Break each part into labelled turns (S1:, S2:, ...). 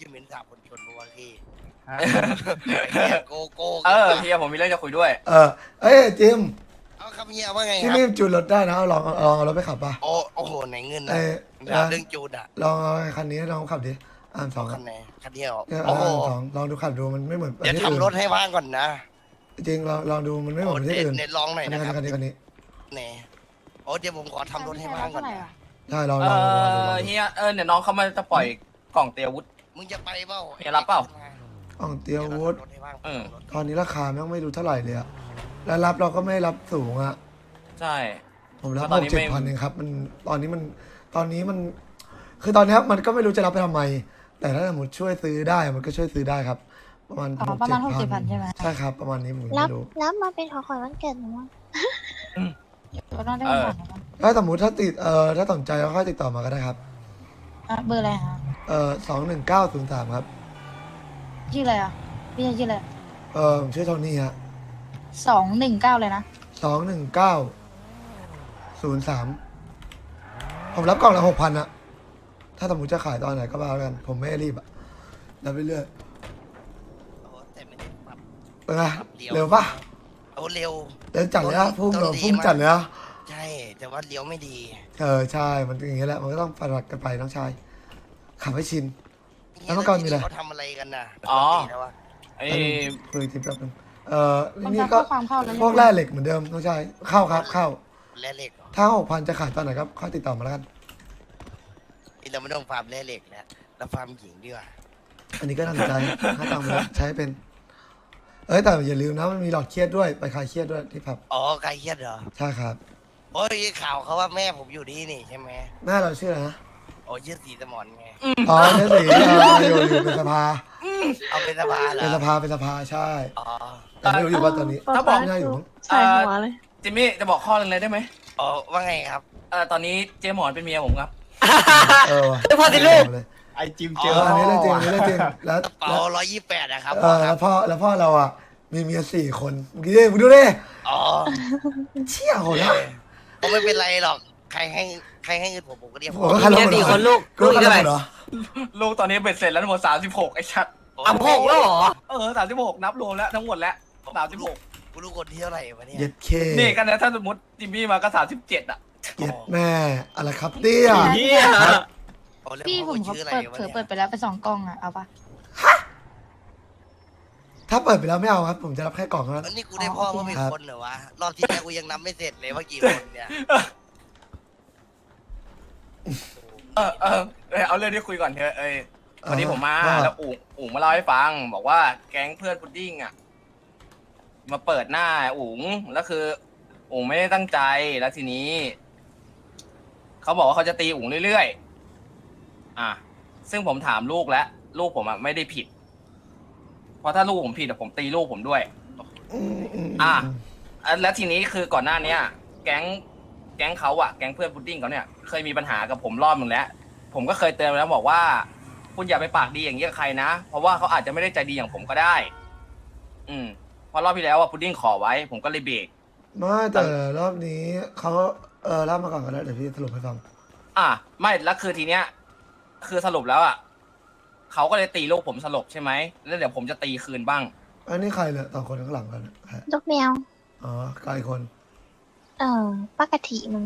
S1: จะเหม็นสาบคนชนบัวพี่
S2: ฮะ
S1: ไอ้เหี้ยโกโก้
S3: เฮียผมมีเรื่องจะคุยด้วย
S2: เอ้ยจิม
S1: เอาครับเฮียว่าไงค
S2: ที่
S1: รับ
S2: นี่จูนรถได้นะลองเอารถไปขับป่ะ
S1: โอ้โหไหนเงินนะ
S2: เอ้ย
S1: ถามเรื่องจูนอ่ะ
S2: ลองเอาคันนี้ลองขับดิสอง
S1: คันไหนคันเดียว
S2: เนี่ย
S1: โอ้โห
S2: สองลองดูขับดูมันไม่เหมือน
S1: เดี๋ยว
S2: ที่อื่น
S1: ทำรถให้ว่างก่อนนะ
S2: จริงลองดูมันไม่เหมื
S1: โอ้
S2: อนที่อื่น
S1: เน็ตลองหน่อยนะครับ
S2: คันนี้
S1: แหนโอ้เดี๋ยวผมขอทำรถให้ว่างก่อนนะ
S2: ใช่ลอง
S3: เฮียเนี่ยน้องเขามาจะปล่อยกล่องเตียวุฒ
S1: มึงจะไปเปล่า
S3: เฮียรับเปล่า
S2: อ่องเตียววุฒ
S1: รถให้ว่าง
S2: ตอนนี้ราคาแม่งไม่รู้เท่าไหร่เลยอะแล้วรับเราก็ไม่รับสูงอะ
S3: ใช่
S2: ผมรับ
S3: ตอนนี้
S2: 6-7 พันเองครับมันตอนนี้มันคือตอนนี้มันก็ไม่รู้จะรับไปทำไม แต่ถ้าสมมติช่วยซื้อได้มันก็ช่วยซื้อได้ครับ ประมาณ
S4: ประมาณ
S2: 6-7
S4: 6-7 พันใช่ไหม
S2: ใช่ครับประมาณนี้ผม
S5: รับ
S2: ไม่รู้
S5: รับมาเป็นของขวัญวันเกิดหนูอะ
S4: ก็ต้องได้ของขวัญนะ
S2: ถ้าสมมติถ้าติดถ้าสนใจก็ค่อยติดต่อมาก็ได้ครับ
S4: เบอร์อะไรฮะ
S2: 21903ครับ
S4: ชื่ออะไรอ่ะพี่ชื่ออะไร
S2: ผมชื่อโทนี่ฮะ
S4: 219เลยนะ
S2: 21903ผมรับกล่องละ6,000อะถ้าสมมติจะขายตอนไหนก็บ้าแล้วกันผมไม่รีบอะรับไปเรื่อย
S1: โอ้แต่ไม่ได้ปรับ
S2: เป็นไงเร็วปะ
S1: โอ้เร็ว
S2: เร็วจัดเลยอะพุ่ง
S1: ต้นดี
S2: พุ่ง
S1: มาก
S2: จัดเลยอะ
S1: ใช่แต่ว่าเลี้ยวไม่ดี
S2: ใช่มันอย่างเงี้ยแหละมันก็ต้องปฏิบัติกันไปน้องชายขับให้ชิน แล้วเมื่อก่อนมีอะไร
S1: เขาทำอะไรกันน่ะ
S3: อ๋อ
S1: ปกติแล้วอะ
S3: ไอ้
S2: คุยทีแป๊บนึง
S4: มัน
S2: นี่
S4: จะ
S2: ก็
S4: ข้อความเข้าแล้ว
S2: พวกแร่เหล็กเหมือนเดิมน้องชายเข้าครับเข้า
S1: แร่เหล็กเหรอ
S2: ถ้า6,000จะขายตอนไหนครับค่อยติดต่อมาแล้วกัน
S1: นี่เราไม่ต้องฟาร์มแร่เหล็กแล้วเราฟาร์มหญิงดีกว่า
S2: อันนี้ก็น่าสนใจถ้าตังค์มาแล้วใช้เป็นแต่อย่าลืมนะมันมีหลอดเครียดด้วยไปคลายเครียดด้วยที่ผับ
S1: อ๋อใครเครียดเหรอ
S2: ใช่ครับ
S1: โอ้ยข่าวเขาว่าแม่ผมอยู่นี่นี่ใช่ไหม
S2: แม่เราชื่ออะไรนะ
S1: โอ้ชื่อสีสมอนไง
S2: อ๋อเจ๊สีอยู่เป็นสภา
S1: เอาเป็นสภาเหรอ
S2: เป็นสภาใช่
S1: อ๋อ
S2: แต่ไม่รู้อยู่ว่าตอนนี้
S3: ถ้าบอก
S2: น่าอยู่มั้ง
S5: ใส่หัวเลย
S3: จิมมี่จะบอกข้อหนึงเลยได้ไหม
S1: อ๋อว่าไงครับ
S3: ตอนนี้เจ๊หมอนเป็นเมียผมครับ
S2: ว่ะ
S5: พอสิลูก
S2: เลยไอจิมเจออันนี้เรื่องจริงอันนี้เรื่องจริงแล้ว
S1: เป๋า128นะครับ
S2: แล้วพ่อเราอ่ะมีเมีย4 คนเมื่อกี้ดิมึงดูดิ
S1: อ๋อ
S2: เชี่ยโหดละ
S1: ผมไม่เป็นไรหรอกใครให้เงินผมก็เรียก
S2: ผมก็คันลง
S5: 4 คนลูก
S2: ก็คันลงเหรอ
S3: ลูกตอนนี้เบ็ดเสร็จแล้วทั้งหมด36ไอ้ชัด
S5: อ่ะ6แล้วเหรอ
S3: 36นับรวมแล้วทั้งหมดแล้ว36
S1: กูรู้คนที่เท่าไหร่วะเนี่ย
S2: เย็ดเค
S3: นี่กันนะถ้าสมมติจิมมี่มาก็37อ่ะ
S2: เย็ดแม่อะไรครับเตี้ย
S5: เฮีย
S1: อ๋อแล้ว
S4: พี่ผม
S1: เขา
S4: เขา
S1: ชื่ออะไร
S4: เปิด
S1: วะ
S4: เผลอ
S1: เนี่ย
S4: เปิดไปแล้วไป2 กล้องอ่ะเอาปะ
S2: ถ้าเปิดไปแล้วไม่เอาครับ ผมจะรับแค่กล่องเท่านั้น
S1: อันนี้กูได้พ่อเมื่อเป็น
S2: ครับ
S1: คนเหรอวะรอบที่แล้วกูยังนับไม่เสร็จเลยว่ากี่คนเนี่ย
S3: เอาเรื่องที่คุยก่อนเถอะวันนี้ผมมาแล้วอุ๋งมาเล่าให้ฟัง บอกว่าแก๊งเพื่อนพุดดิ้งอ่ะมาเปิดหน้าอุ๋งแล้วคืออุ๋งไม่ได้ตั้งใจแล้วทีนี้เขาบอกว่าเขาจะตีอุ๋งเรื่อยๆซึ่งผมถามลูกแล้วลูกผมอ่ะไม่ได้ผิด เพราะถ้าลูกผมผิดผมตีลูกผมด้วย แล้วทีนี้คือก่อนหน้าเนี้ยแก๊งเขาอะแก๊งเพื่อนพุดดิ้งเขาเนี่ยเคยมีปัญหากับผมรอบนึงแล้วผมก็เคยเตือนไปแล้วบอกว่าคุณอย่าไปปากดีอย่างนี้กับใครนะเพราะว่าเขาอาจจะไม่ได้ใจดีอย่างผมก็ได้ เพราะรอบที่แล้วอะพุดดิ้งขอไว้ ผมก็เลยเบรก
S2: ไม่แต่รอบนี้เขาเล่ามาก่อนก็ได้เดี๋ยวพี่สรุปให้ฟัง
S3: ไม่แล้วคือทีเนี้ยคือสรุปแล้วอะเขาก็เลยตีลูกผมสลบใช่ไหมแล้วเดี๋ยวผมจะตีคืนบ้าง
S2: อันนี้ใครเนี่ย2 คนข้างหลังกันใคร
S5: ลูกแมว
S2: อ๋อไกลคน
S5: ป้ากะทิมึง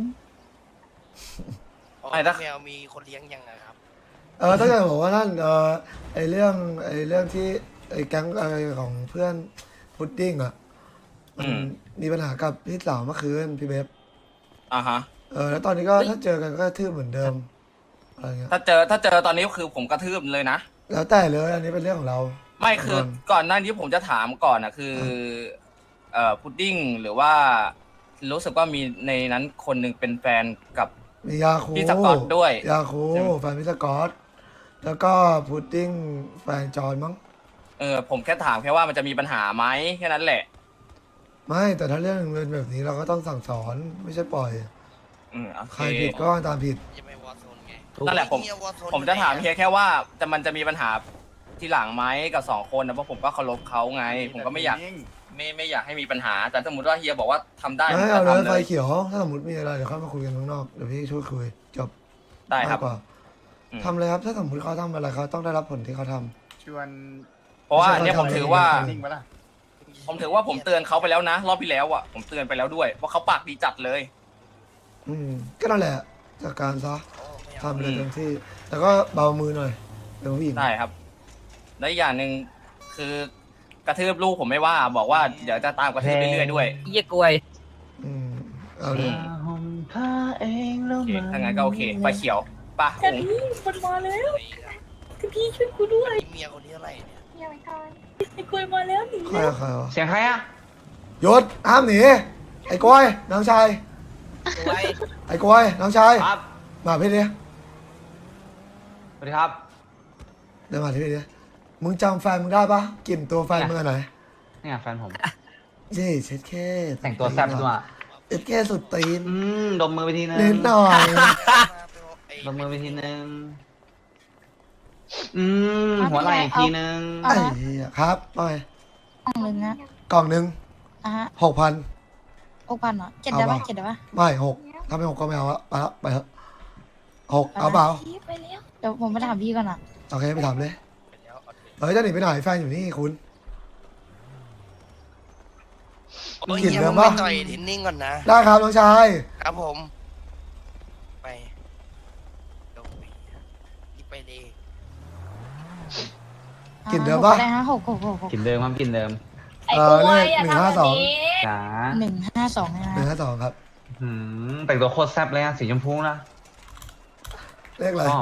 S1: อ๋อแมวมีคนเลี้ยงยังไงครับ
S2: ถ้าเกิดบอกว่านั่นไอเรื่องที่ไอแก๊งของเพื่อนพุดดิ้งอ่ะมันมีปัญหากับพี่สาวเมื่อคืนพี่เบฟ
S3: ฮะ
S2: แล้วตอนนี้ก็ถ้าเจอกันก็ทื่อเหมือนเดิมอะไรเงี้ย
S3: ถ้าเจอตอนนี้คือผมกระทืบเลยนะ
S2: แล้วแต่เลยอันนี้เป็นเรื่องของเรา
S3: ไม่คือก่อนหน้านี้ผมจะถามก่อนนะคือพุดดิ้งหรือว่ารู้สึกว่ามีในนั้นคนหนึ่งเป็นแฟนกับ
S2: มียาคู
S3: พี่สกอตด้วย
S2: ยาคูแฟนพี่สกอตแล้วก็พุดดิ้งแฟนจอนมั้ง
S3: ผมแค่ถามแค่ว่ามันจะมีปัญหาไหมแค่นั้นแหละ
S2: ไม่แต่ถ้าเรื่องเป็นแบบนี้เราก็ต้องสั่งสอนไม่ใช่ปล่อย
S3: โอเค
S2: ใครผิดก็ตามผิด
S1: จะไม่วอร์โซนไง
S3: นั่นแหละผมจะถามเพียงแค่ว่ามันจะมีปัญหาทีหลังไหมกับ2 คนนะเพราะผมก็เคารพเขาไง ผมก็ไม่อยากให้มีปัญหาแต่สมมติว่าเฮียบอกว่าทำได้
S2: ไม่
S3: ผม
S2: เอา
S3: ก็
S2: เลย
S3: ทำ
S2: ไฟ
S3: เลย
S2: เขียวถ้าสมมติมีอะไรเดี๋ยวค่อยมาคุยกันข้างนอกเดี๋ยวพี่ช่วยคุยจบ
S3: ได้ครับ
S2: มากกว่าทำเลยครับถ้าสมมติเขาทำอะไรเขาต้องได้รับผลที่เขาทำ
S6: ชวน
S3: เพราะว่าเนี่ยผมถือว่า
S6: นิ่งปะล่ะ
S3: ผมถือว่าผมเตือนเขาไปแล้วนะ รอบที่แล้วอ่ะผมเตือนไปแล้วด้วยว่าเขาปากดีจัดเลย
S2: ก็นั่นแหละจัดการซะ
S1: โอ้ไม่เอา
S2: ทำเลยเต็มที่ แต่ก็เบามือหน่อยเป็นผู้หญิง
S3: ได้ครับ และอีกอย่างหนึ่งคือกระทืบลูกผมไม่ว่าบอกว่าเดี๋ยวจะตามกระทืบเรื่อยๆด้วย
S7: เยี่ยกล้วย
S2: อืมเอาเลย
S6: ห่มผ้าเองแล้ว
S3: โอเค
S6: มัน
S3: ถ้างั้นก็โอเคไฟเขียวปะ
S4: แต่พี่คนมาแล้วพี่ช่วยกูด้วย
S1: เมียคนที่เท่าไหร่เนี่ย
S5: ยังไม่ทัน
S4: ไอ้กล้วยมาแล้วหนี
S2: ใครอะใครวะ
S6: เสียงใครอะ
S2: หยุดห้ามหนีไอ้กล้วยน้องชายไอ้กล้วยน้องชาย
S6: ครับ
S2: มาพี่ดิ
S6: สวัสดีครับ
S2: เดินมาที่พี่ดิมึงจำแฟนมึงได้ปะกลิ่นตัวแฟนมึงอันไหน
S6: เนี่ยแฟนผม
S2: เย้เช็ดแค่
S6: แต่งตัวแซ่บด้วย
S2: เช็ดแค่สุดตีน
S6: ดมมือไปทีนึง
S2: นิดหน่อย
S6: ดมมือไปทีนึงหัวไหล่อีกทีนึง
S2: ไอ้เหี้ยครับไป
S4: กล่องหนึ่งนะ
S2: กล่องหนึ่ง
S4: อ่ะฮะ
S2: 6,000
S4: 6,000เหรอ7ได้ปะ
S2: เอาปะ
S4: 7ได้ปะ
S2: ไม่6ถ้าไม่6ก็ไม่เอาละไปละไปเถอะ6เอาเปล่า
S4: ไปแล้วเดี๋ยวผมไปถามพี่ก่อนอ่ะ
S2: โอเคไปถามเลย
S1: ไปแล้วเอาเถอะ
S2: เฮ้ยจะหนีไปไหนแฟนอยู่นี่คุณ
S1: โอ้ย
S2: กลิ่น
S1: เฮีย
S2: เดิ
S1: มึ
S2: ม
S1: ง
S2: ปะ
S1: ไปต่อยเทนนิ่งก่อนนะ
S2: ได้ครับน้องชาย
S1: ครับผมไปลงไปรีบไปเลย
S2: กลิ่นเดิมปะ
S4: ได้ฮะ6 6 6
S6: กินเดิมครับกินเดิม
S2: เลข152
S6: จ๋า
S4: 152นะฮะ
S2: 152ครับ
S6: แต่งตัวโคตรแซ่บเลยอะสีชมพูนะ
S2: เลขอะไร
S6: ชอบ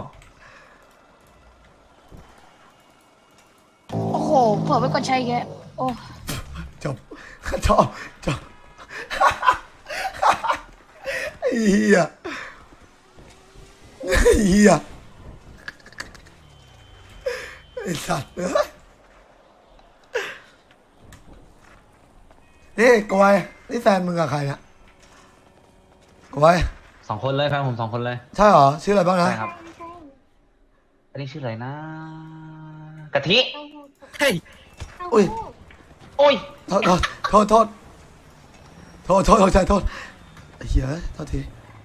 S4: โอ้โหเผื่อไปกดใช้แกโอ้
S2: จบจบจบไอ้เหี้ยไอ้เหี้ยไอ้สัตว์เอ้ยนี่กวยนี่แฟนมึงกับใครเนี่ยกวย
S6: 2 คนเลยแฟนผม2 คนเลย
S2: ใช่เหรอชื่ออะไรบ้างนะ
S6: ใช่ครับ
S5: ใช่
S6: อันนี้ชื่ออะไรนะ กะทิ
S7: เฮ้ย
S2: อุ้ย
S6: โอ้ย
S2: โทษโทษโทษโทษโทษโทษโทษโทษไอ้เหี้ยโทษที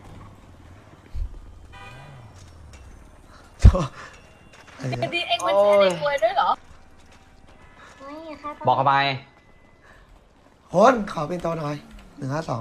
S2: โทษไอ้เหี้ย
S4: ดีเอ็งมันใช้ในกล้วยด้วยเหรอ
S5: ไม่ค่ะ
S6: บอกเข้าไป
S2: คนขอเป็นตัวหน่อย152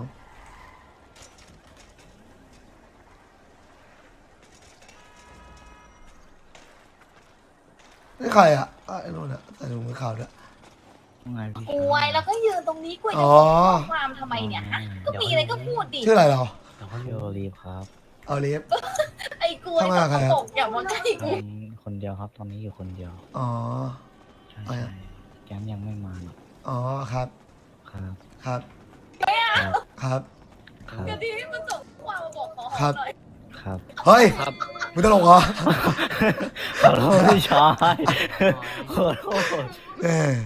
S2: นี่ใครอ่ะไอ้นู่นอ่ะใส่ถุงมือขาวด้วย
S8: กล้วยแล้วก็ยืนตรงนี้กล้วย
S2: อ๋
S8: จะ
S2: อ
S8: ส่งข้อความทำไมเนี่ยฮะก็มีอะไรก็พูดดิ
S2: ชื่ออะไรเรา
S7: ชื่อโอลีฟครับ
S2: เอาลีฟ
S8: ไอ้กล้วย
S2: ทำไมอะใครอะ
S8: ตกอย่ามาใกล้กู
S7: คนเดียวครับ ตอนนี้อยู่คนเดียว
S2: อ๋อ
S7: ใช่
S2: ไปอะ
S7: แก๊งยังไม่มาหรอก
S2: อ๋อครับ
S7: ครับ
S2: ครับ
S7: ครับ
S2: ครับ
S7: ครับ
S8: กะทิมันส่งข้อความมาบอกขอห
S2: ครั
S8: อบ มหน่อย
S7: ครับ
S2: เฮ้ยมึงตลกเหรอ
S7: ขอโทษพี่ชายขอโทษ
S2: เออ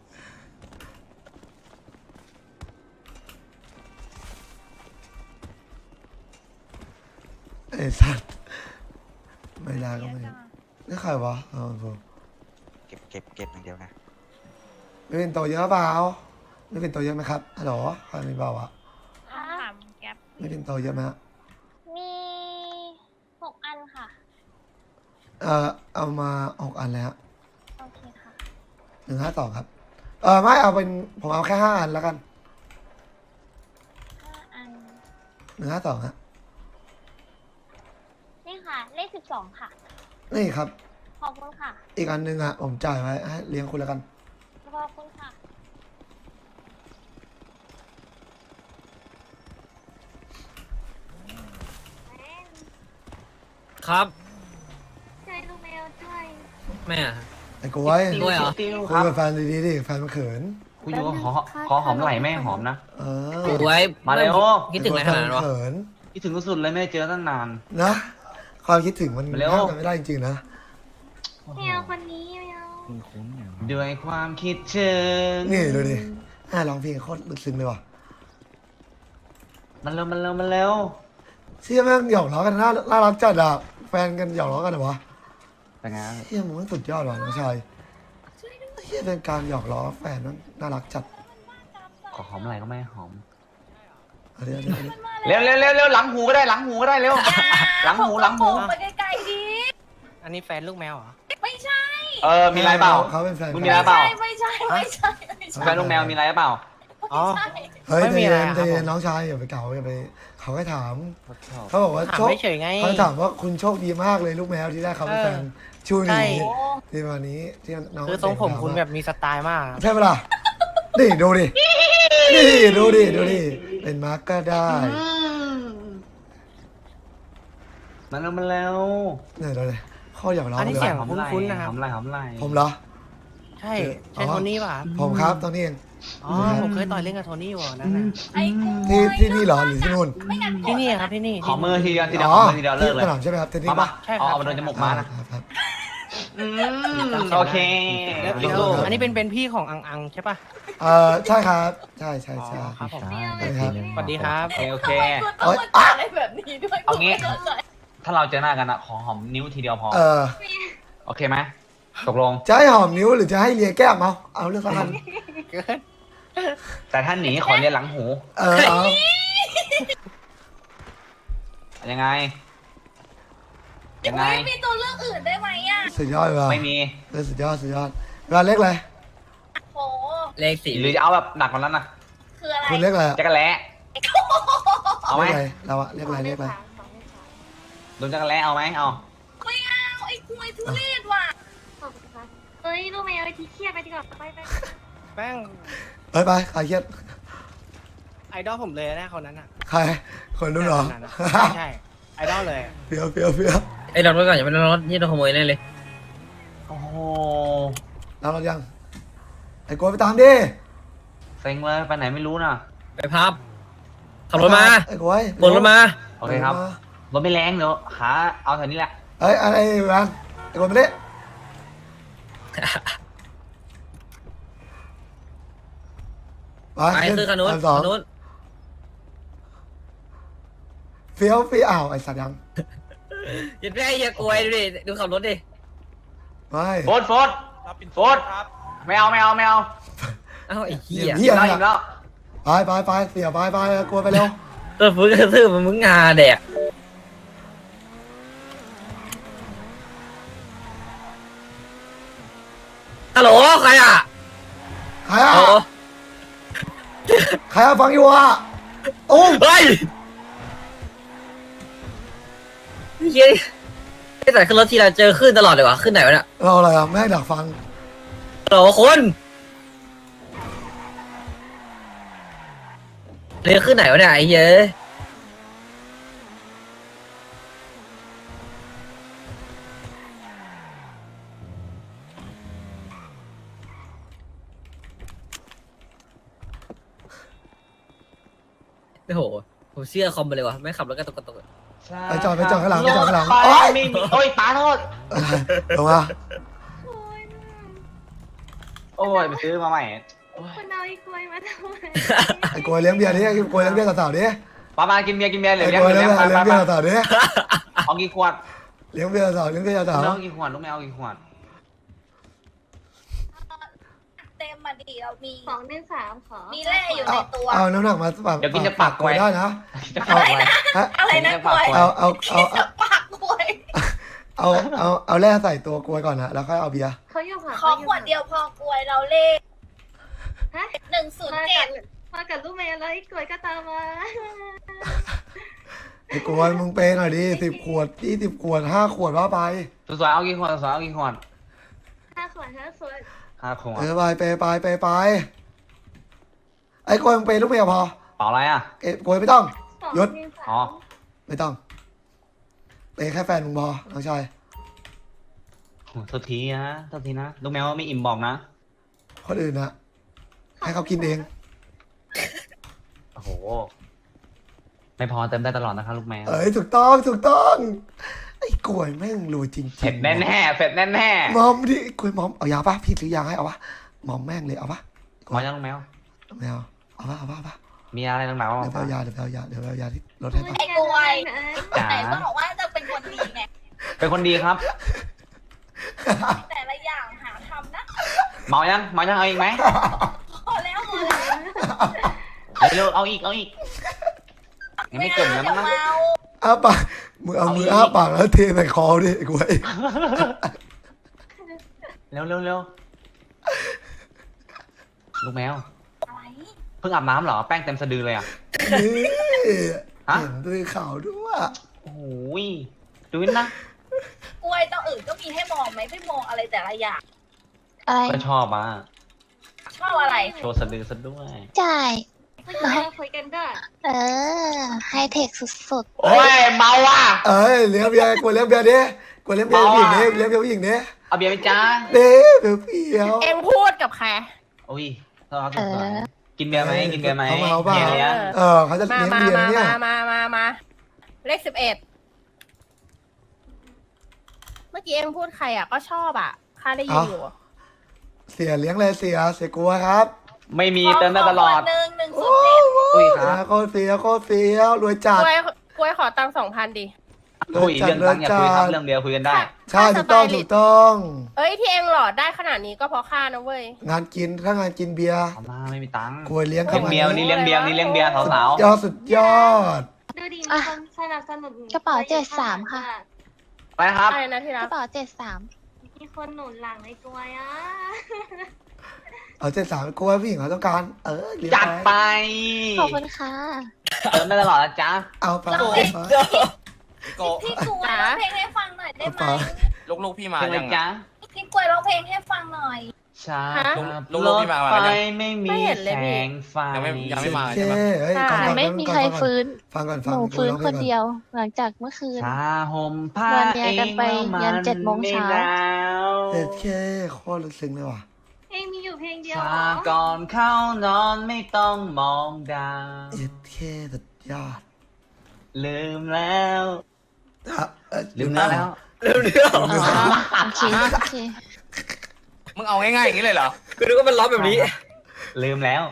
S2: ไอ้สัตว์ไม่ได้ก็ไม่นี่ใครวะเอาผม
S9: เก็บอย่างเดียวนะ
S2: ไม่เป็นตัวเยอะเปล่าไม่เป็นตัวเยอะไหมครับฮัลโหลใครมีเปล่าวะไม่เป็นตัวเยอะไหมฮะ
S5: มี6 อันค่ะ
S2: เอามา6 อันเลยฮะ
S5: โอเคค่ะ
S2: 152ครับไม่เอาเป็นผมเอาแค่5 อันแล้วกัน
S5: 5 อัน
S2: 152ฮะ
S5: นี่ค่ะ เลข 12 ค่ะ
S2: นี่ครับ
S5: ขอบคุณค่ะ
S2: อีกอันหนึงอ่ะผมจ่ายไว้ให้เลี้ยงคุณแล้วกัน
S5: ขอบคุณค่ะ
S7: ครับ
S5: ช่วยลูกแมวด้วย
S7: แม่
S2: ไอ้กล้วย
S7: ด้วยเหรอ
S6: ติ้ว
S2: คุ
S6: ค
S2: ย
S6: รับ
S2: กับแฟนดีๆดิแฟนมันเขิน
S6: กูอยู่ขอหอมไหล่แม่หอมนะ
S2: เออ
S7: โอ้ย
S6: มาเร็ว
S7: คิดถึงอะไรขนาดนั้นวะ
S2: เขิน
S6: คิดถึงสุดๆเลยไม่ได้เจอตั้งนาน
S2: นะความคิดถึงมัน
S6: มาเร็ว
S2: ห้ามกันไม่ได้จริงๆนะ
S5: แมวคนนี้แมว
S7: คุ้นๆอย่าง
S6: ด้วยความคิดถึง
S2: นี่ดูดิร้องเพลงโคตรลึกซึ้งเลยว่ะ
S6: มันเร็วมันเร็วมันเร็ว
S2: เชี่ยแม่งหยอกล้อกันน่ารักจัดอ่ะแฟนกันหยอกล้อกันเหรอวะ
S6: แต่งาน
S2: เชี่ยมึงมันสุดยอดว่ะน้องชายเชี่ยเป็นการหยอกล้อแฟนนั้นน่ารักจัด
S6: ขอหอมไหล่ก็ไม่หอม
S2: เอาเดี๋ยว
S6: เร็วหลังหูก็ได้หลังหูก็ได้เร็ว หลังหู
S8: ไปไกลๆดิ
S1: อันนี้แฟนลูกแมวเหรอ
S8: ไม่ใช่
S6: มีอะไรเปล่า
S2: เขาเป็นแฟน
S6: มึงมีอะไรเปล่า
S8: ไม่ใช่ไม่ใช่ไม่ใช่
S6: แฟนลูกแมวมีอะไรเปล่า
S1: อ๋อ
S2: เฮ้ย
S1: ไม่
S2: ใจ
S1: มีอะไร
S2: เย็น
S1: ครับ
S2: ใจเย็น
S1: ผม
S2: น้องชายอย่าไปเก่าอย่าไปเขาให้ถาม เขาบอกว่า
S1: ถาม
S2: โชค
S1: ไม่เฉยไง
S2: เขาถามว่าคุณโชคดีมากเลยลูกแมวที่ได้เขาเป็นแฟนชูห
S1: ใช่
S2: นีที่วันนี้ที่น้อง
S1: คือทรงผม
S2: เด็กถา
S1: คุณ
S2: ว่า
S1: แบบมีสไตล์มากครับ
S2: ใช่ปะล่ะนี่ดูดินี่ดูดิดูดิเป็นมาร์กก็ได้
S6: มันแล้ว
S2: เนี่ยดูดิข้ออย่าร้อง
S1: อันนี้
S2: เลย
S1: เสียง
S2: ว่ะ
S1: คุ้นๆนะครับ
S6: หอมไหลหอมไหล
S2: ผมเหรอ
S1: ใช่ใช่โทนี่ป่ะครับ
S2: ผมครับตอนนี้เอง
S1: อ๋อผมเคยต่อยเล่นกับโทนี่อยู่นั่นน่ะ
S8: ไอ้กู
S2: ที่นี่เหรอหรือที่นู่น
S8: ไม่งั้น
S1: ที่นี่ครับที่นี่
S6: ขอมือทีเดียวทีเดียว
S2: อ๋
S6: ข
S2: อ
S6: อมือทีเดียวเลิกเลย
S2: ที่สนามใช่ไหมครับเทนนิส
S6: มา
S2: ปะ
S1: ใช่ครับ
S6: เอามาโดนจมูกม้านะ
S2: ครับ
S6: โอเค
S1: แล้ว
S6: ยู
S1: แล้ว
S6: โร
S1: อันนี้เป็นพี่ของอังใช่ป่ะ
S2: ใช่ครับใช่ใช่ใช่
S1: อ๋อครับผม
S2: สวัสดีครับ
S1: สวัสดีครับ
S6: โอเค
S8: ทำไมกูต้องมาเจออะไรแบบนี้ด้วย
S6: เอางี้
S8: กูไม่เข้าใจ
S6: ถ้าเราเจอหน้ากันอะขอหอมนิ้วทีเดียวพอ โอเคไหมตกลง
S2: จะให้หอมนิ้วหรือจะให้เลียแก้มเอาเลือกสักอัน
S6: แต่ถ้าหนีขอเลียหลังหู
S2: เอา
S6: ยังไง ยังไง
S8: ไม่มีตัวเลือกอื่นได้ไหมอ่ะ
S2: สุดยอดว่ะ
S6: ไม่มี
S2: สุดยอดสุดยอดเวลาเล็กเลย
S8: โห
S7: เลขสี่
S6: หรือจะเอาแบบหนักกว่านั้นนะ
S8: คืออะไร
S2: คุณเล็กอะไร
S6: จักรแล้เอาไหม
S2: เล็กอะไรเราอะเล็กอะไรเล็กอะไร
S6: โดนจักรแล้เอาไหมเอา
S8: ไม่เอาไอ้กล้วยทุเรศว่ะ
S5: เฮ้ยลูกแมวไปทีเครียดไปดีกว่าไป
S1: แป้ง
S2: ไปใครเครียด
S1: ไอดอลผมเลยนะคนนั้นอ่ะ
S2: ใครคนนู้นเหรอ
S1: ใช่ใช่ไอดอลเลย
S2: เฟี้ยวเฟี้ยวเฟี้ยว
S7: ไอ้รถไว้ก่อนอย่าไปรถนี่โดนขโมยแน่เลย
S6: โอ้โห
S2: เรายังไอ้โกยไปตามดิ
S6: เซ็งเลยไปไหนไม่รู้น่ะ
S7: ไปพับขับรถมา
S2: ไอ้โกย
S7: บนรถมา
S6: โอเคครับ รถไม่แรงเดี๋ยวหาเอาแถวนี้แหละ
S2: ไอ้แวนไอ้โกยมาดิไป
S7: ไปคือคันนู้น
S2: สอง
S7: คันนู้น
S2: เฟี้ยวเฟี้ยวอ้าวไอ้สัตว์ยัง
S7: อย่าไปอย่ากลัวดูดิดูขับรถดิ
S2: ไม่
S6: โฟดโฟดโฟดไม่เอาไม่เอาไม่เอา
S7: เอ้าไอ้เหี้ย
S2: เหี้ย
S6: อิ่ม
S2: อะไร
S6: แล้วอิ่มแล้ว
S2: ไปเสียไปโกยไปเร็ว
S7: ตัวฟื้นกระทืบมันมึงงาแดกฮัลโหลใครอ่ะ
S2: ใครอะ
S7: โอ้
S2: ใครอะฟังอยู่อะตุ้ม
S7: เฮ้ยเฮ้ยไอ้แต่ขึ้นรถทีไรเจอขึ้นตลอดเลยวะขึ้นไหนวะเนี่ย
S2: เราอะไรอะแม่งดักฟัง
S7: ฮัลโหลคนเรียกขึ้นไหนวะเนี่ยไอ้เหี้ยโอ้โหผมเชื่อคอมไปเลยวะไม่ขับรถกระตุกกระตุก
S2: ไปจอดข้างหลังไปจอดข้างหลัง
S6: โอ้
S2: โอ๊
S6: ย
S2: ย
S6: ไม่มีโอ้ยป้าโทษ
S2: ลงมา
S6: โอ้ยไปซื้อมาใหม่
S5: คุณเอาไอ้กล้วยมาทำไม
S2: ไอ้โกยเลี้ยงเบียร์ดิไอ้โกยเลี้ยงเบียร์สาวๆดิ
S6: ป้ามากินเบียร์เหลื
S2: ไอ้
S6: อ
S2: โกย
S6: เลี้
S2: เลี้
S6: ย
S2: ย
S6: ง
S2: ง
S6: ไป
S2: เบียร์
S6: ไป
S2: สาวๆดิ
S6: เอากี่ขวด
S2: เลี้ยงเบียร์สาวเลี้ยงเบียร์สาว
S6: ลูกเอากี่ขวดลูกไม่เอากี่ขวด
S8: เต็มมาดีเรามี
S5: 213ขอ
S8: มีแร่อยู่ในตัว
S2: เอาน้ำหนักมาปาก
S6: เดี๋ยวกินจะปาก
S2: โกยได้นะ
S6: จะปากไว้
S8: อะไรนะกล้วย
S2: เอา
S8: ปากกล้วย
S2: เอาแร่ใส่ตัวกลวยก่อนนะแล้วค่อยเอาเบียร์
S5: เขาอยู่ค่ะ
S8: ขอขวดเดียวพอกล้วยเราเลข
S5: ฮะ
S8: 107
S5: มากับลูกแมวแล้วไอ้กล้วยก็ตามมา
S2: ไอ้กลวยมึงเปย์หน่อยดิ10 ขวด20 ขวด5 ขวดว่าไป
S6: สวยๆเอากี่ขวดสวยๆเอากี่ขวด
S5: 5 ขวด 5 ขวด
S6: 5 ขวด
S2: ไปไปไอ้กลวยมึงเปย์ลูกเมียพอ
S6: เปล่าอะไรอ่ะ
S2: กลวยไม่ต้อง ยศ
S6: อ๋อ
S2: ไม่ต้องเปย์แค่แฟนมึงพอน้องชาย
S6: โทษทีนะโทษทีนะลูกแมวไม่อิ่มบอกนะ
S2: คนอื่นนะให้เขากินเอง
S6: โอ้โห ไม่พอเติมได้ตลอดนะครับลูกแมว
S2: เอ้ยถูกต้องไอ้กลวยแม่งรวยจริงๆ
S6: เผ็ดแน่ๆเผ็ดแน่
S2: มอมดิกลวยมอมเอายาปะพี่ซื้อยาให้เอาปะมอมแม่งเลยเอาปะ
S6: ๆมายังลูกแมว
S2: ไม่เอาปะ
S6: มีอะไรต่างๆบ้าง
S2: เดี๋ยวไปเอายาที่รถให้ปะ
S8: ไอ้กล้วย
S6: จ๋า
S8: ไหนบอกว่าจะเป็นคนดีไง
S6: เป็นคนดีครับ
S8: แต่ละอย่างหาทำนะ
S6: เมายังเอาอีกไหม
S8: พอแล้วพอแล้ว
S6: เร็วๆเอาอีกยังไม่เกินนะ
S8: เดี๋ยว
S6: มั้ง
S8: เมา
S2: เอาปะมึงเอามืออ้าปากแล้วเทใส่คอดิไอ้กล้วย
S6: เร็วเร็วเร็วลูกแมว
S8: อะไร
S6: เพิ่งอาบน้ำเหรอ แป้งเต็มสะดือเลยอ่ะ
S2: นี่
S6: ฮะ
S2: เห็นด้วยข่าวด้วย
S6: โอ้โหยดูนี่นะ
S8: กล้วยต้องอื่นก็มีให้มองไหมไม่มองอะไรแต่ละอย่าง
S4: อะไร
S6: ก็ชอบอ่ะ
S8: ชอบอะไร
S6: โชว์สะดือซะด้วย
S4: ใช่
S5: ไม่คุยคุยกันด้วย
S4: เออ ไฮเทคสุด
S6: โอ้ยเมาอ่ะ
S2: เอ้ยเลี้ยงเบียร์กล้วยเลี้ยงเบียร์ดิกล้วยเลี้ยงเบียร์ผู้หญิงดิเลี้ยงเบียร์ผู้หญิงดิ
S6: เอาเบียร์ไหมจ้า
S2: เด้เบียร์เปรี้ยว
S10: เอ็งพูดกับใคร
S6: โอ้ยต้อนรับสวยๆกินเบียร์ไหมกินเบียร์ไหม
S2: เขามาเอาเปล่า
S6: เบียร์เลี้ยง
S2: เขาจะ
S10: มา
S2: เลี้ยง
S10: มา
S2: เบียร์
S10: มา
S2: เนี่ย
S10: มาเลข11เมื่อกี้เอ็งพูดใครอ่ะก็ชอบอ่ะข้าได้ยินอยู่
S2: เสียเลี้ยงเลยเสียกลัวครับ
S6: ไม่มีเติมได้ตลอด
S8: หนึ่งหนึ่ง
S2: โอ้
S8: ศูนย์เจ็ด
S6: อุ้ยครับ
S2: โคตรเสียโคตรเสียรวยจัด
S10: กล้วยขอตังค์2,000ดิ
S6: คุยเรื่องตังค์อย่าคุยครับเรื่องเดียวคุยกันได้
S2: ใช่ถูกต้องถูกต้อง
S10: เอ้ยที่เอ็งหลอดได้ขนาดนี้ก็เพราะข้านะเว้ย
S2: งานกินถ้างานกินเบียร์
S6: เอามาไม่มีตังค์
S2: กล้วยเลี้ยง
S6: เลี้ยงเบียร์วันนี้เลี้ยงเบียร์วันนี้เลี้ยงเบียร์สาว
S2: ยอดสุดยอด
S5: ดูดิมีคนสนับสนุน
S4: กระเป๋า73ค่ะ
S6: ๆไปนะครับ
S10: อะไรนะที่
S4: ๆ
S10: รั
S4: ก
S10: ก
S4: ระเป๋า73
S5: มีคนหนุนหลังในกลวยอ่ะ
S2: เอา73กล้วยผู้หญิงเขาต้องการเลี้ยง
S6: จัดไป
S4: ขอบคุณค่ะ
S6: เติมได้ตลอดนะจ๊ะ
S2: เอาไป
S3: โก
S8: พี่กล้วยร้องเพลงให้ฟังหน่อยได้ไหม
S3: ลูกๆพี่มา
S6: เป็นไร
S3: ยัง
S6: จ๊ะ
S8: พี่กล้วยร้องเพลงให้ฟังหน่อย
S6: ช้า
S3: ลูก
S6: ร
S3: ๆ
S6: ถ
S3: พี่มา
S6: ไฟ
S3: แล้วยัง
S6: ไม่มีแสงไฟ
S3: ยังไม่มา
S2: โอเคเฮ้ยก่อน
S4: แต่ไม่มีใครฟื้น
S2: ฟังก่อน
S4: ห
S2: ฟัง
S4: นู
S2: กู
S4: ฟื้น
S2: ร้อง
S4: ค
S2: เพลง
S4: น
S2: ก่อน
S4: เดียว หลังจากเมื่อคืน
S6: ชาห่มผ้าน
S4: อนเมียกันไปยัน7 โมงเช้า
S2: เจ็ดเคโคตรลึกซึ้งเลยว่ะ
S5: เองมีอยู่เพลงเดียว
S6: ชา
S5: เหรอ
S6: ก่อนเข้านอนไม่ต้องมองดาว
S2: เจ็ดเคสุดยอด
S6: ลืมแล้ว ลืม
S2: แล้
S6: แล้ว
S4: โอเคโอเค
S3: มึงเอาง่ายๆอย่างนี้เลยเหรอ
S7: คือนึกว่ามันร้องแบบนี้
S6: ลืมแล้ว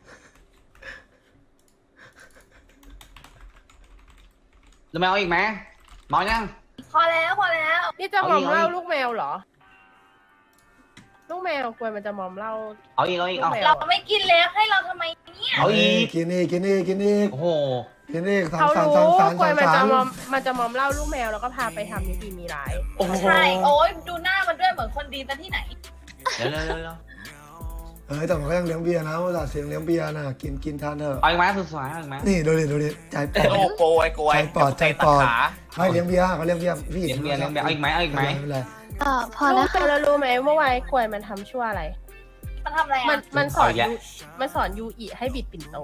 S6: รู้ไหมเอาอีกไหมเมายัง
S8: พอแล้วพอแล้ว
S10: นี่จะมอมเหล้า
S6: เอาอีก
S10: ลูกแมวเหรอ ลูกแมวกล้วยมันจะมอมเหล้า
S6: เอาอีกเอาอีกเอา
S10: ลูกแมว
S8: เราไม่กินแล้วให้เราทำไมเนี่ย
S6: เอาอีก
S2: กินอีกกินอีกกินอีก
S6: โอ้โห
S2: กินอีก
S10: เขา
S2: สาม
S10: รู้
S2: สาม
S10: กล้วยมัน
S2: สา
S10: จะ
S2: ม
S10: มอมเหล้าลูกแมวแล้วก็พาไปทำนิติมีร้าย
S6: โอ้โห
S8: ใช่โอ้ยดูหน้ามันด้วยเหมือนคนดีซะที่ไหน
S6: เร็วเร็วเร็วเร็ว
S2: แต่มันก็ยังเลี้ยงเบียร์นะว่าแต่เสียงเลี้ยงเบียร์นะกินทานเถอะ
S6: เอาอีกไหมสุดสวยเอาอีกไหม
S2: นี่ดูดิใจปอด
S3: โอ้โกยโกย
S2: ใจปอดใจปอด
S3: ขา
S2: ให้เลี้ยงเบียร์เขาเลี้ยงเบียร์พี่
S6: เลี้ยงเบียร์เลี้ยงเบียร์เอาอีกไหมเอาอีกไหม
S2: ไม่เป็นไร
S4: พอแล้วค่ะ
S10: แล้วรู้ไหมเมื่อวานกล้วยมันทำชั่วอะไร
S8: มันทำอะไร
S10: มัน
S8: อ่ะ
S10: มันสอนยูมันสอนยูอิให้บิดปิ่นโต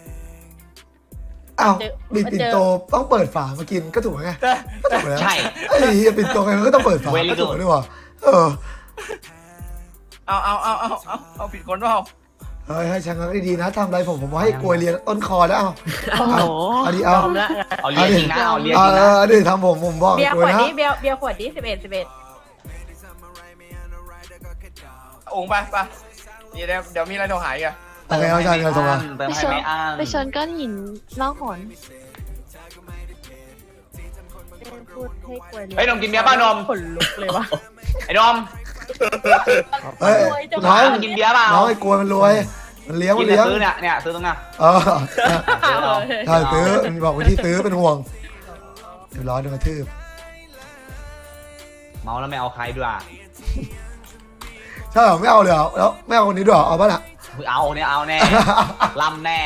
S2: อ้าว
S10: เจอ
S2: บิดปิ่นโตต้องเปิดฝามากินก็ถูกไงก็ถูกแล้ว
S6: ใช่
S2: ไอ้เหี้ยปิ่นโตไงมันก็ต้องเปิดฝา
S6: Very
S2: ก็ถูก
S6: good
S2: ด้วยว่ะ
S3: เอาผิดคนเปล่า
S2: เฮ้ยให้ช่างก็ดีๆนะทำอะไรผมให้กลวยเรียนต้นคอแล้วเอาดีเอา
S10: ยอมละ
S6: เอาเลี้ยงจริงนะเอาเลี้ยง
S2: เอา
S6: จริงนะ
S2: ดิทำผมบอก
S10: เบียร์
S2: ก
S10: ข
S2: ลว
S10: วย ด
S2: นะ
S10: นี้เบียร์ขวดนี้11
S3: องค์ไปเดี๋ยวมีอะไรโทรหายอ่ะ
S2: โอเคเอาใช่เงินส่งมา
S6: เติมให้ไม่อั้น
S4: ไปชนก้อนหินล่องหน
S10: พูดให้กล้วย
S6: เฮ้ยนมกินเบียร์ป่ะนม
S10: ขนลุกเลยวะ
S6: ไอ้นม
S2: เฮ้ย
S6: น้
S2: น้
S6: อ
S2: อง
S6: งกินเบียร์เปล่า
S2: น้องไอ้กลวยมันรวยมันเลี้ยง
S6: กิ
S2: มัน น
S6: แต่
S2: เลี้ยง
S6: ซื้อเนี่ยซื้อตรงเนี้ย
S2: เออใช่ซื้อมันบอกวิธีซื้อเป็นห่วงเดี๋ยวร้อนโดนกระทืบ
S6: เมาแล้วไม่เอาใครด้วย
S2: ใช่เหรอไม่เอาเลยเหรอแล้วไม่เอาคนนี้ด้วยเหรอเอาป่ะน่ะ
S6: เอาเนี่ยเอาแน่ลำแน่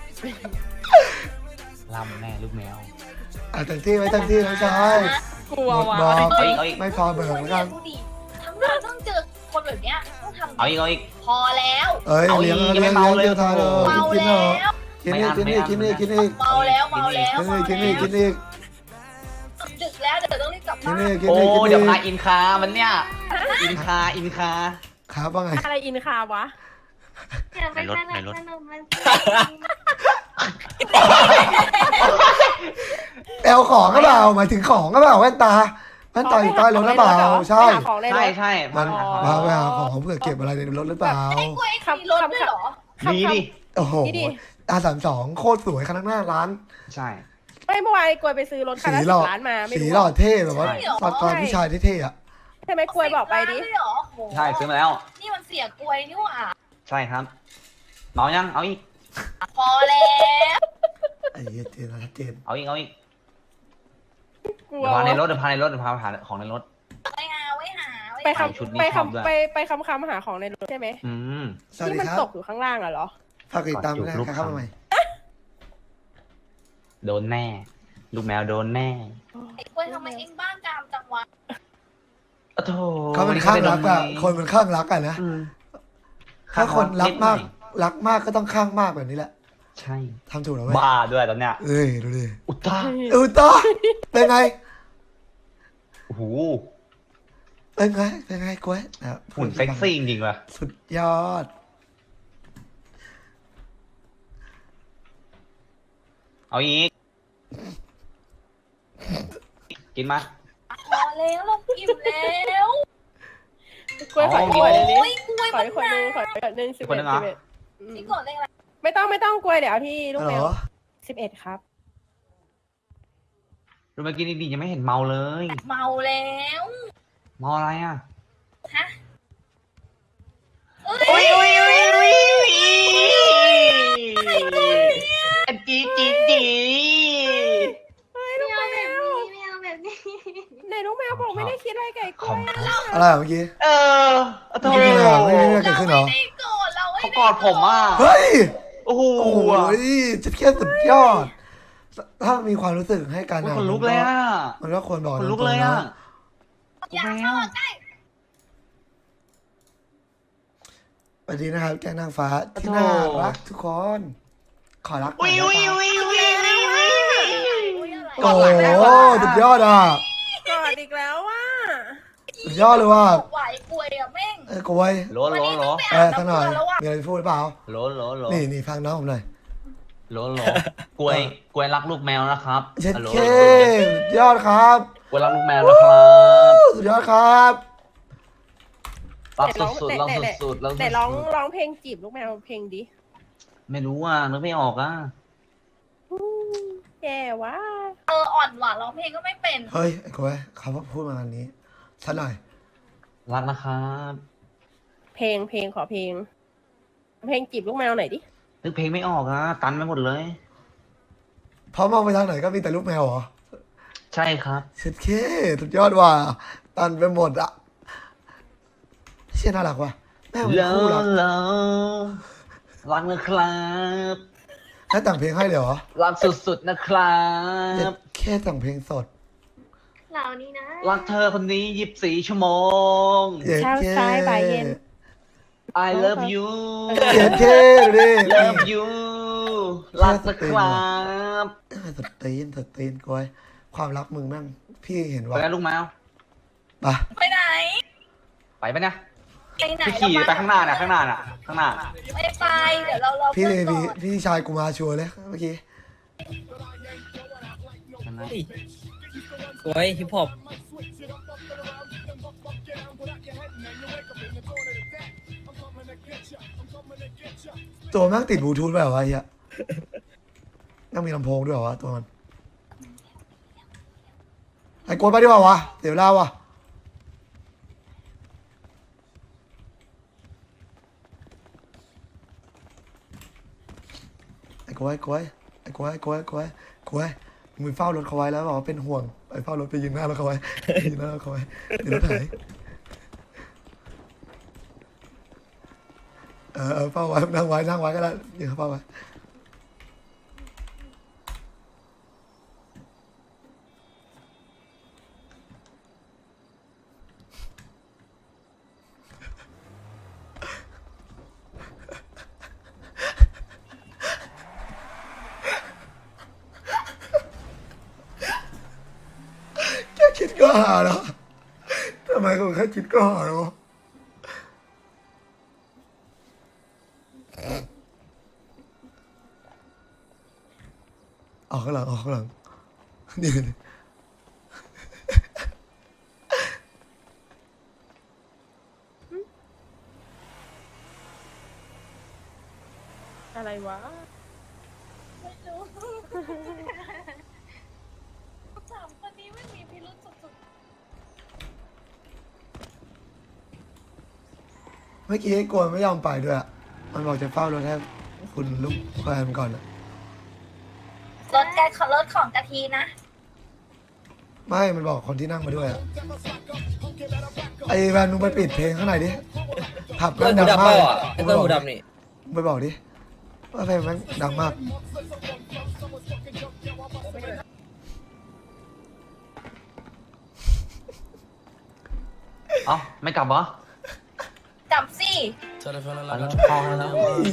S6: ลำแน่ลูกแมว
S2: เต็มที่ไว้เต็มที่น้องชาย
S10: กลัว
S2: หมด
S10: ว่ะ
S2: บอก
S6: เอาอีก
S2: ไม่พอเบิกเหมือนกัน
S8: ดูดิทำงานต้องเจอคนแบบเนี้ยต้องทำ
S6: เอาอีก
S8: พอแล้ว
S2: เอ้ย
S6: เอาอี
S2: เลี้ย
S6: ก
S2: ง
S6: ยังไม่
S2: เลี้ยง
S6: เมาเลย
S2: เลี้ยงทานเลย
S8: เมา
S2: กิน
S8: แล้
S2: เถอะ
S8: ว
S2: กินอีกกินอีกกินอีกกินอีก
S8: เมาแล้วเมาแล้ว
S2: กินอีกกินอีกกินอีก
S8: ดึกแล้วเดี๋ยวต้องรีบกลับ
S2: กิ
S8: บ้าน น
S2: อีกกิน
S6: โอ้
S2: อีกกิน
S6: เดี๋ยว
S2: อี
S6: พาก อินคามันเนี่ยอินคา
S2: ครับว่าไง
S10: อะไรอินคาวะ
S5: อย่าไปสนับสนุนมันสิ
S2: แอลของก็เปล่าหมายถึงของก็เปล่าแว่นตาอยู่ใต้รถหรือเปล่าใช่
S10: หาของในร
S6: ใช่
S10: ถ
S6: ใช่
S2: มัน
S10: อ๋อ
S2: พาไปหาของเพื่อเก็บอะไรในรถหรือเปล่า
S8: กล้วยมีรถด้วยเหรอ
S6: มีดิ
S2: โอ้โห
S10: นี่ดิ
S2: R32โคตรสวยคันหน้าร้าน
S6: ใช่
S10: ไม่เมื่อวานกล้วยไปซื้อรถคัน
S2: สี
S10: ละ
S2: หล่อ
S10: 10 ล้านมาไม่
S2: สี
S10: รู้
S2: หล่อ
S10: ว่า
S2: เท่แบบว่า
S6: ใช่
S2: ตอนก่อนผู้ชายเท่ๆอ่ะ
S10: ใช่ไหมกล้วยบอกไปดิ
S8: 10 ล้านเลยเหรอโห
S6: ใช่ซื้อมาแล้ว
S8: นี่มันเสียกล้วยนี่หว่า
S6: ใช่ครับเมายังเอาอีก
S8: พอแล้ว
S2: ไอ้เหี้ยเจนนะชัดเจน
S6: เอาอีก
S10: กลัว
S6: เดี๋ยวพาในรถเดี๋ยวพาในรถเดี๋ยวพาหาของในรถ
S8: ไว้หาไว้หาไว้
S10: ไป
S8: หา
S6: ชุดนี้
S10: ไป
S6: ชอบด้วย
S10: ไปคำหาของในรถใช่ไหม
S6: อืม
S2: สวัส
S10: ที่
S2: ดี
S10: มัน
S2: ครับ
S10: ตกอยู่ข้างล่างอะเหรอ
S2: ฝากติดตามด้วย
S6: กอดจูบรูป
S2: นะครับเข้ามาใหม่
S6: โดนแน่ ลูกแมวโดนแน่
S8: ไอ้กล้วยทำไมเองบ้ากามจังวะ
S6: โอ้โถ
S2: เขาเป็นข้างรักอะ
S6: วั
S2: คนเป็นข้างรักอะนะ
S6: อืม
S2: ถ้าคนรักมาก
S6: นิดหน่อย
S2: รักมากก็ต้องข้างมากแบบนี้แหละ
S6: ใช่
S2: ทำถูกแล้วเว้ย
S6: บ้าด้วยตอนเนี้ย
S2: เอ้ยดูดิ
S6: อุตตา
S2: ต่อเป็นไง
S6: โอ้โห
S2: เป็นไงเป็นไงกล้วยนะครับ
S6: หุ่นเซ็กซี่จริงๆว่ะ
S2: สุดยอด
S6: เอาอีก กินมา
S8: พอแล้วเราอิ่มแล้ว
S10: กล้วยขอ
S6: อ๋อ
S10: ขวดนึง
S8: โอ้ยกล้วย
S10: ขอ
S8: มัน
S10: ขวด
S8: ห
S10: นึ
S8: นาง
S10: ขอขวดนึง11
S6: ขวดนึงเหรอ
S10: 11
S8: นี่กดเลขอะไร
S10: ไม่ต้องกล้วยเดี๋ยวเอาที่ลูก
S2: ฮัล
S10: แม
S2: โหล
S10: ว11ครับ
S6: ดูเมื่อกี้นี่ดียังไม่เห็นเมาเลย
S8: เมาแล้ว
S6: เมาอะไรอ่ะ
S8: ฮะเอ้ย
S6: จีจีจี
S5: ไม่เอาแบบนี้ไม่เอาแบบนี้
S10: ในลูกแมวบอกไม่ได้คิดอะไรไก่ก
S6: ข
S10: ล้
S6: อ
S10: ว
S6: ง
S10: ย
S2: อะไรอะเมื่อกี้
S6: เออโถ
S2: ไม่มีอะไรหรอไม่มีอะไรเกิด
S8: เรา
S2: ขึ้นเหร
S8: ไม่
S2: อ
S8: ได้โกรธเราไม่
S6: เขา
S8: ได้
S6: กอดผมอ่ะ
S2: เฮ้ย
S6: โอ้โห
S2: โอ้โหจะแค่สุดยอด ถ้ามีความรู้สึกให้กัน
S6: โอ้ย
S2: อะ
S6: คนลุกเลยอ่ะ
S2: มันก็ควรบอก
S6: คนลุก
S2: ตรงๆ
S6: เลยอ่ะ
S2: นะ
S8: อยากเข้าใกล้
S2: สวัสดีนะครับแก้งนางฟ้าที่น่ารักทุกคน ขอรักหน่อยได้ปะ โอ้โหสุดยอดอ่ะ
S10: กอดอีกแล้วว่ะ
S2: สุดยอดเลยว่ะ
S8: ไหวกล้วยอะแม่ง
S2: เอ้ยกล้วย
S6: โหลโหลโหล
S2: สักหน่อย มีอะไรพูดหรือเปล่า
S6: โหลโหลโหล
S2: นี่ฟังน้องผมหน่อย
S6: โหลโหลกล้วยกล้วยรักลูกแมวนะครับ
S2: เช็ด
S6: ฮัลโหล
S2: เคสุดยอดครับ
S6: กล้วยรักลูกแมวนะครับ
S2: สุดยอดครับ
S6: รักสุดๆรักสุดๆรัก
S10: แต่
S6: สุด
S10: ร้องเพลงจีบลูกแมวเพลงดิ
S6: ๆไม่รู้อ่ะนึกไม่ออกอ่ะ
S10: แย่ว่ะ
S8: อ่อนหวานร้องเพลงก็ไม่เป็น
S2: เฮ้ยไอ้กล้วยเขาพูดมาอันนี้สักหน่อย
S6: รักนะครับ
S10: เพลงขอเพลง เพลงจีบลูกแมวหน่อยดิ
S6: นึกเพลงไม่ออกอ่ะตันไปหมดเลย
S2: พอมองไปทางไหนก็มีแต่ลูกแมวเหรอ
S6: ใช่ครับ
S2: เช็ดเคสุดยอดว่ะตันไปหมดอ่ะเชี่ยน่ารักว่ะแม่งเป็น
S6: แล้ว
S2: คู่รัก
S6: แล้วรักนะครับ
S2: ให้แต่งเพลงให้เลยเหรอ
S6: รักสุดๆนะครับ
S2: แค่แต่งเพลงสด
S5: เหล่านี้นะ
S6: รักเธอคนนี้24 ชั่วโมง
S2: เย็ด
S10: เช้า
S2: เค
S10: สายบ่ายเย็น
S6: I love you
S2: เย็ดเคดูดิ
S6: love you รักนะครับ
S2: สดตีนกล้วยความรักมึงแม่งพี่เห็น
S6: ไป
S2: ว่า
S6: กันลูกแมว
S2: ปะ
S8: ไปไหน
S6: ไปปะเนี่ย
S8: ไปไหน
S6: พี่ขี่ไปข้างหน้าน่ะข้างหน้า
S8: ไม่ไปเดี๋ยวเรารอ
S2: พี่
S8: เพื่อนก่อน
S2: พี่ชายกูมาชัวร์เลยเมื่อกี้
S7: โอ้ยฮิปฮอป
S2: ตัวแม่งติดบลูทูธไปเหรอวะไอ้เหี้ยยังมีลำโพงด้วยเหรอวะตัวมันไอ้กวนไปดีกว่าวะเดี๋ยวเวลาวะไอ้กวยมึงเฝ้ารถเขาไว้แล้วบอกว่าเป็นห่วงไปเฝ้ารถไปยืนหน้ารถเขาไว้ยืนหน้ารถเขาไว้เดี๋ยวรถหายเฝ้าไว้นั่งไว้ก็ได้ยืนเฝ้าไว้แค่คิดก็หาแล้วทำไมกูแค่คิดก็หาแล้วออกข้างหลังนี่
S10: อะไรวะ
S8: ไม่รู้สามคนนี้ไม่มีพิรุษสุด
S2: เมื่อกี้ไอ้กวนไม่ยอมไปด้วยอะมันบอกจะเฝ้ารถให้คุณลูกแฟนก่อนอะ
S8: ๆรถของกะทีนะ
S2: ไม่มันบอกคนที่นั่งมาด้วยอะไอ้แวนมึงไปปิดเพลงข้างในดิผับแม่งดังมากไอ้ต้นหูดำนี่ไปบอกดิว่าเพลงแม่งดังมาก
S6: เอ้าไม่กลับเหรอ
S8: จับสิ
S6: ไปแล้วพอแล้ว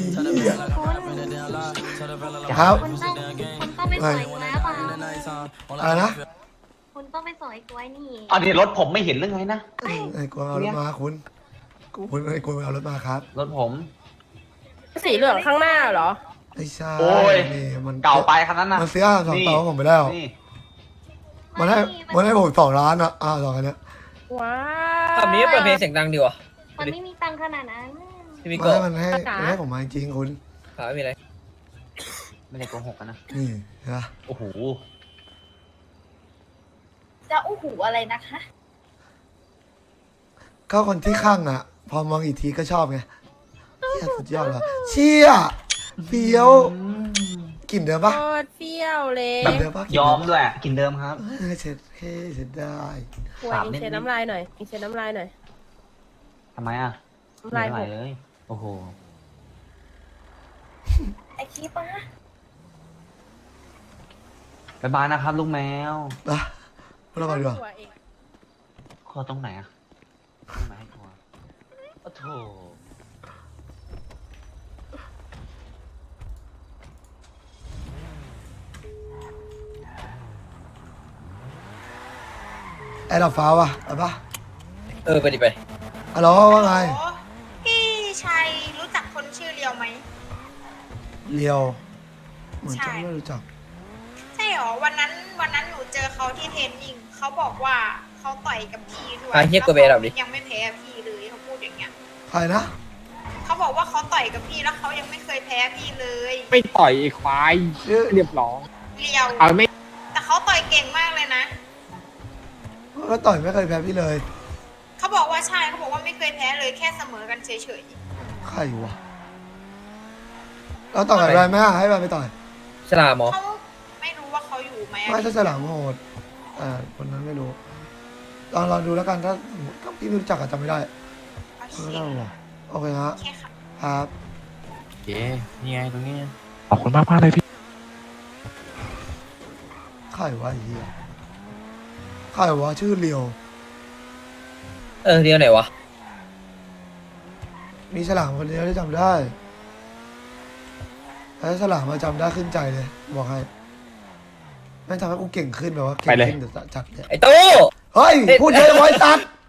S2: ครับ
S5: คุณต้องไปสอยกูแล้วเปล่า
S2: อะไรนะ
S5: คุณต้องไปสอยกูไว้นี่
S6: อันนี้รถผมไม่เห็นเรื่องไงนะ
S2: ไอ้กวางเอารถมาคุณไอ้กวางเอารถมาครับ
S6: รถผม
S10: สีเหลืองข้างหน้าเหรอ
S2: ไม่ใช่
S6: โอ้ย
S2: นี่มัน
S6: เก่าไปคันนั้นนะ
S2: มันซื้อสองต่อผมไปแล้ว
S6: นี่
S2: มันให้ผม2 ล้านอ่ะสองอันเนี้ย
S10: ว้าว
S7: แบบนี้เปิดเพลงเสียงดังดีวะ
S5: มันไม่มีตังค์ขนาดนั้น
S7: พี่มิ
S2: มัน
S7: โกะ
S2: ให้มันให้ผมมาจริงๆคุณ
S7: ขาไม่มีอะไร
S6: ไม่ได้โกหกกันนะ
S2: นี่เห็นปะ
S6: โอ้โห
S8: จะอู้หูอะไรนะคะ
S2: ก็คนที่ข้างอ่ะ พอมองอีกทีก็ชอบไงเชี่ยสุดยอดเลยเชี่ยเฟี้ยวกลิ่นเดิม
S10: โค
S2: ปะ
S10: ตรเฟี้ยวเลย
S2: กลิ่นเดิมปะ
S6: ยอมด้วยกินเดิมครับ
S2: เช็ดเฮ้เช็ดได้
S10: ควรอิงเช็ดน้ำลายหน่อยอิงเช็ดน้ำลายหน่อย
S6: ทำไมอ่ะ
S10: น้ำลาย
S6: ไม่
S10: ห
S6: ไหล
S10: ก
S6: เลย โอ้โห
S8: ไอคีปะ
S6: บ๊ายบายนะครับลูกแมว
S2: นะเรามาดีกว่า
S10: ตัวเอง
S6: คอตรงไหนอ่ะตรงไหนให้คอโอ้โถ
S2: ไอ้ดอกฟ้าวะไปปะ
S7: ไปดิไป
S2: ฮัลโหลว่าไง
S8: พี่ชัยรู้จักคนชื่อเรียวไหม
S2: เลียวเหมือนจะ
S8: ใช่
S2: ไม่รู้จัก
S8: ใช่หรอวันนั้นหนูเจอเขาที่เทรนนิ่งเขาบอกว่าเขาต่อยกับพี่ด้วย
S7: เฮียกดเบรดับดิ
S8: ยังไม่แพ้พี่เลยเขาพูดอย่างเงี้ย
S2: ใครนะ
S8: เขาบอกว่าเขาต่อยกับพี่แล้วเขายังไม่เคยแพ้พี่เลย
S11: ไม่ต่อยไอ้ควาย
S2: ชื่อ
S11: เรียบร้อย
S8: เรียว
S11: เอาไม่
S8: แต่เขาต่อยเก่งมากเลยนะ
S2: ก็ต่อยไม่เคยแพ้พี่เลย
S8: เขาบอกว่าใช่เขาบอกว่าไม่เคยแพ้เลยแค่เสมอกันเฉย
S2: ใครวะเราต่อยกับแรนไหมให้แรนไปต่อย
S7: ฉลามหมอ
S8: ๆเขาไม่รู้ว่าเขาอยู่ไหมอะ
S2: ไม่ใช่ฉลามโหดคนนั้นไม่รู้ลองดูแล้วกันถ้าพี่ไม่รู้จักอาจจะไม่ได้
S8: โอเค
S2: ไม่ได้หรอโอเคฮะ
S8: โอเคค่ะ
S2: ครับ
S1: เย้นี่ไงตรงนี้
S11: ขอบคุณมากเลยพี่
S2: ใครวะไอ้เหี้ยใครวะชื่อเลียว
S7: เดียวไหนวะ
S2: มีฉลามคนเดียวที่จำได้แล้วฉลามมาจำได้ขึ้นใจเลยบอกให้แม่งทำให้กูเก่งขึ้นแบบว่าเก่งขึ้นจัดเลย
S7: ไอ้ตู้
S2: เฮ้ยพูดเยอะไว้ตัด